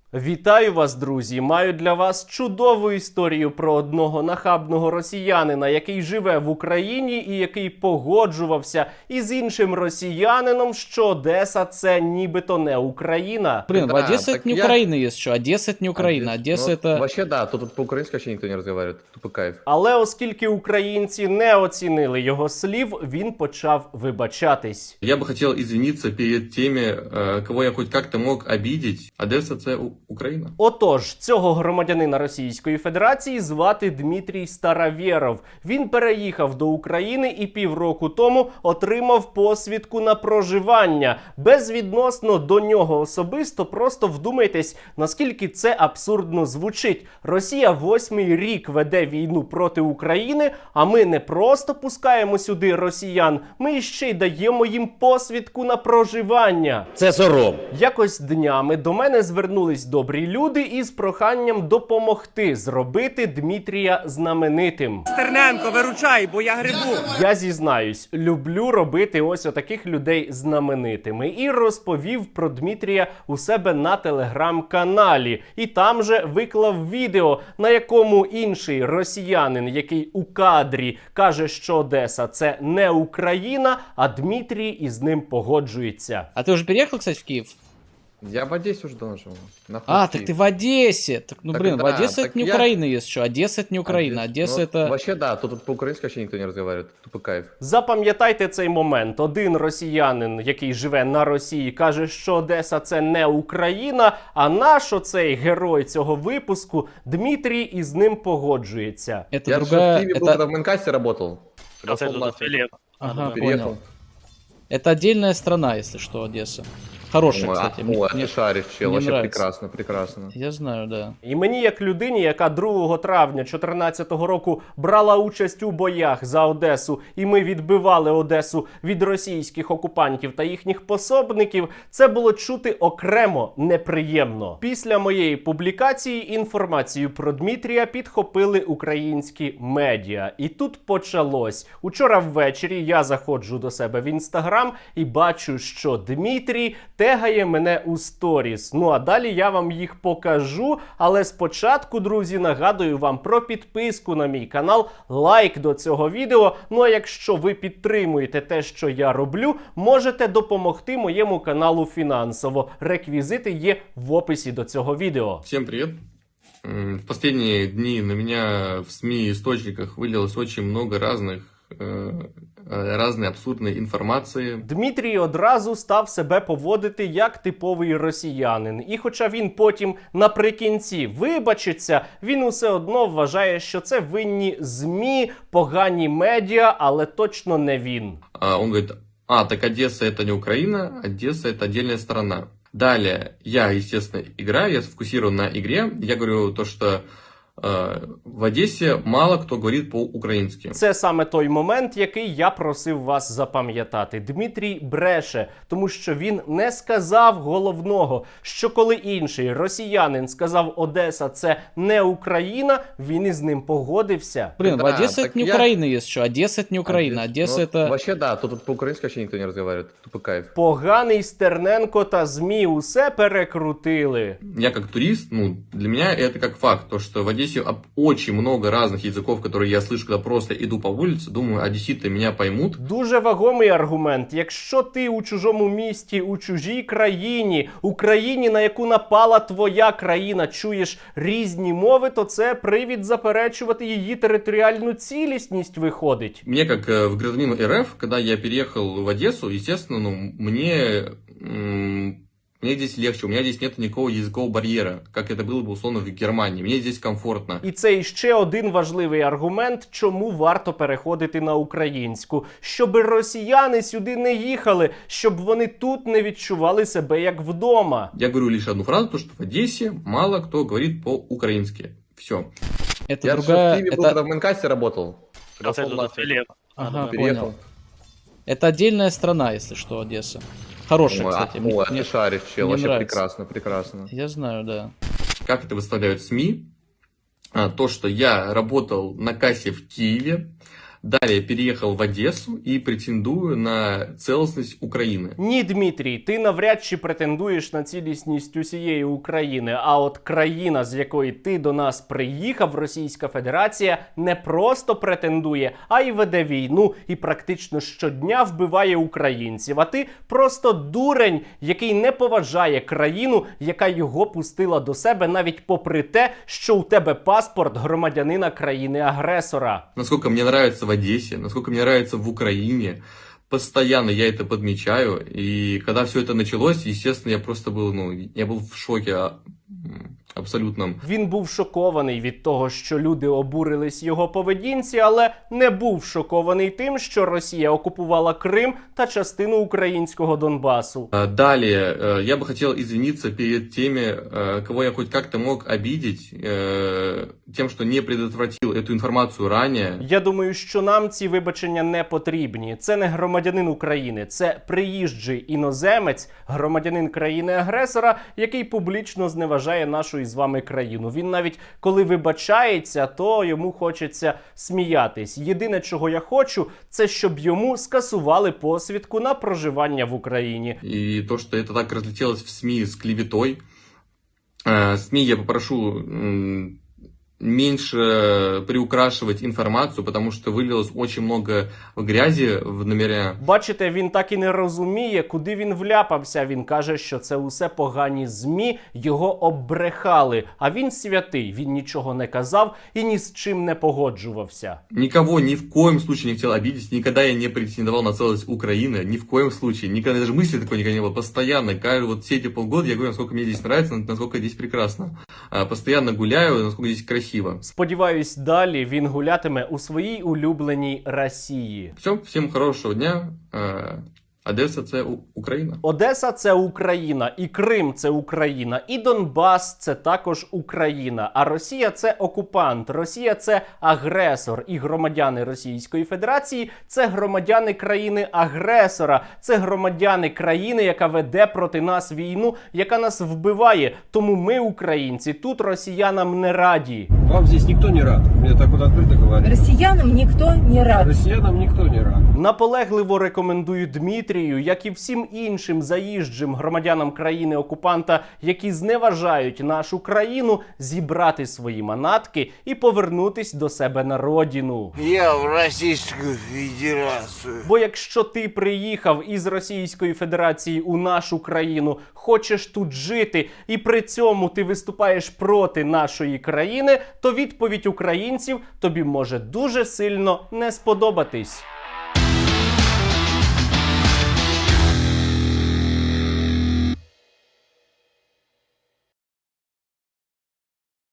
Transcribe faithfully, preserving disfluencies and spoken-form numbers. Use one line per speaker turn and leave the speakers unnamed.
Вітаю вас, друзі! Маю для вас чудову історію про одного нахабного росіянина, який живе в Україні і який погоджувався із іншим росіянином, що Одеса – це нібито не Україна.
Блин,
Да,
в Одессе
так
это не
я-
Украина есть что. Одесса это не Украина. Одесса
Ну,
это...
Вообще, да, тут, тут по-украински вообще никто не разговаривает. Тупо кайф.
Але оскільки українці не оцінили його слів, він почав вибачатись.
Я бы хотел извиниться перед теми, э, кого я хоть как-то мог обидеть. Одесса – це У- Україна.
Отож, цього громадянина Російської Федерації звати Дмитрій Старовєров. Він переїхав до України і півроку тому отримав посвідку на проживання. Безвідносно до нього особисто, просто вдумайтесь, наскільки це абсурдно звучить. Росія восьмий рік веде війну проти України, а ми не просто пускаємо сюди росіян, ми ще й даємо їм посвідку на проживання.
Це сором.
Якось днями до мене звернулись добрі люди із проханням допомогти зробити Дмитрія знаменитим.
Стерненко, виручай, бо я грибу.
Я зізнаюсь, люблю робити ось отаких людей знаменитими. І розповів про Дмитрія у себе на телеграм-каналі. І там же виклав відео, на якому інший росіянин, який у кадрі каже, що Одеса – це не Україна, а Дмитрій із ним погоджується.
А ты уже переехал, кстати, в Киев?
Я в Одессе уже давно живу. Нахуй
А,
Киев.
так ты в Одессе. Так, ну
Так
блин, в
да,
Одессе
так
это не
я-
Украина есть что. Одесса это не Украина. Одесса
Ну,
это...
Вообще, да, тут, тут по-украински вообще никто не разговаривает. Тупо кайф.
Запам'ятайте цей момент. Один росіянин, який живе на Росії, каже, що Одеса – це не Україна, а наш оцей герой цього випуску Дмитрій із ним погоджується.
Это
Я же в
другая...
Киеве был,
Это...
когда в Менкасте работал.
Оце
Пошел
тут
нахуй.
Філіп.
Ага,
Переехал.
понял. Это отдельная страна, если что, Одесса. Хорошая,
Ой, а-
кстати. Мне-
ой, а
мне-
ты шаришь, чел,
мне
вообще
нравится.
прекрасно, прекрасно.
Я знаю, да.
І мені, як людині, яка другого травня дві тисячі чотирнадцятого року брала участь у боях за Одесу, і ми відбивали Одесу від російських окупантів та їхніх пособників, це було чути окремо неприємно. Після моєї публікації інформацію про Дмитрія підхопили українські медіа. І тут почалось. Учора ввечері я заходжу до себе в інстаграм і бачу, що Дмитрій тегає мене у сторіс. Ну а далі я вам їх покажу. Але спочатку, друзі, нагадую вам про підписку на мій канал, лайк до цього відео. Ну а якщо ви підтримуєте те, що я роблю, можете допомогти моєму каналу фінансово. Реквізити є в описі до цього відео.
Всем привет. М, В последние дни на меня в СМИ и источниках вылилось очень много разных, э, э, разной абсурдной информации.
Дмитрій одразу став себе поводити як типовий росіянин. І хоча він потім наприкінці вибачиться, він усе одно вважає, що це винні ЗМІ, погані медіа, але точно не він.
А Он говорит, а, так Одесса это не Украина, Одесса это отдельная страна. Далее, я, естественно, играю, я сфокусирован на игре. Я говорю то, что э, в Одессе мало кто говорит по-украински.
Це саме той момент, який я просив вас запам'ятати. Дмитрій бреше, тому що він не сказав головного, що коли інший росіянин сказав «Одеса – це не Україна», він із ним погодився.
Блин, в
Да,
Одессе
так
это не
я-
Украина есть что. Одесса это не Украина. Одесса
Ну,
это...
Вообще, да, тут, тут по-украински вообще никто не разговаривает. Тупо кайф.
Поганий Стерненко та ЗМІ усе перекрутили.
Я как турист, ну, для меня это как факт, то, что в Одессе об- очень много разных языков, которые я слышу, когда просто иду по улице, думаю, одесситы меня поймут.
Дуже вагомий аргумент. Якщо ти у чужому місті, у чужій країні, у країні, на яку напала твоя країна, чуєш різні мови, то це привід заперечувати її територіальну цілісність виходить.
Мне, как э, в гражданину РФ, когда я переехал в Одессу, естественно, ну, мне, м, мне здесь легче, у меня здесь нет никакого языкового барьера, как это было бы условно в Германии. Мне здесь комфортно.
І це іще один важливий аргумент, чому варто переходити на українську. Щоб росіяни сюди не їхали, щоб вони тут не відчували себе як вдома.
Я говорю лишь одну фразу, то, что в Одессе мало кто говорит по-украински. Все.
Это
Я же в
другая...
Киеве был,
Это...
когда в Менкасте работал.
Оце
Пошел
тут
нахуй.
Філіп.
Ага,
Переехал.
понял. Это отдельная страна, если что, Одесса. Хорошая,
Ой, а-
кстати. Мне-
ой, а
мне-
ты шаришь, чел,
мне
вообще
нравится.
прекрасно, прекрасно.
Я знаю, да.
Как это выставляют СМИ? А, то, что я работал на кассе в Киеве, Далее переехал в Одессу и претендую на целостность Украины.
Ні, Дмитрій, ти навряд чи претендуєш на цілісність усієї України, а от країна, з якої ти до нас приїхав, Російська Федерація, не просто претендує, а й веде війну і практично щодня вбиває українців. А ти просто дурень, який не поважає країну, яка його пустила до себе, навіть попри те, що у тебе паспорт громадянина країни-агресора.
Насколько мне нравится в Одессе, насколько мне нравится в Украине, постоянно я это подмечаю. И когда все это началось, естественно, я просто был, ну, я был в шоке а, м, абсолютном.
Він був шокований від того, що люди обурились його поведінці, але не був шокований тим, що Росія окупувала Крим та частину українського Донбасу.
А, Далее, э, я бы хотел извиниться перед теми, э, кого я хоть как-то мог обидеть, э, тем, что не предотвратил эту информацию ранее.
Я думаю, що нам ці вибачення не потрібні. Це не громадянин України, це приїжджий іноземець, громадянин країни-агресора, який публічно зневажає нашу із вами країну. Він навіть коли вибачається, то йому хочеться сміятись. Єдине, чого я хочу, це щоб йому скасували посвідку на проживання в Україні.
И то, что это так разлетелось в СМИ с клеветой. Э, СМИ я попрошу м, меньше приукрашивать информацию, потому что вылилось очень много грязи в номера.
Бачите, він так і не розуміє, куди він вляпався. Він каже, що це усе погані ЗМІ, його оббрехали. А він святий, він нічого не казав і ні з чим не погоджувався.
Никого ни в коем случае не хотел обидеть, никогда я не претендовал на целостность Украины, ни в коем случае, никогда даже мысли такой никогда не было, постоянно, каждый, вот все эти полгода я говорю, насколько мне здесь нравится, насколько здесь прекрасно, А, постоянно гуляю, насколько здесь красиво.
Сподіваюсь, далі він гулятиме у своїй улюбленій Росії.
Все, всем хорошего дня, Э, Одесса це У- Україна.
Одеса – це Україна, і Крим – це Україна, і Донбас – це також Україна. А Росія – це окупант, Росія – це агресор. І громадяни Російської Федерації – це громадяни країни-агресора. Це громадяни країни, яка веде проти нас війну, яка нас вбиває. Тому ми, українці, тут росіянам не раді.
Вам здесь никто не рад. Мне так вот открыто говорят.
Россиянам никто не рад.
Россиянам никто не рад.
Наполегливо рекомендую Дмитрію, як і всім іншим заїжджим громадянам країни-окупанта, які зневажають нашу країну, зібрати свої манатки і повернутись до себе на родину.
Я в Российскую Федерацию.
Бо якщо ти приїхав із Російської Федерації у нашу країну, хочеш тут жити, і при цьому ти виступаєш проти нашої країни, то відповідь українців тобі може дуже сильно не сподобатись.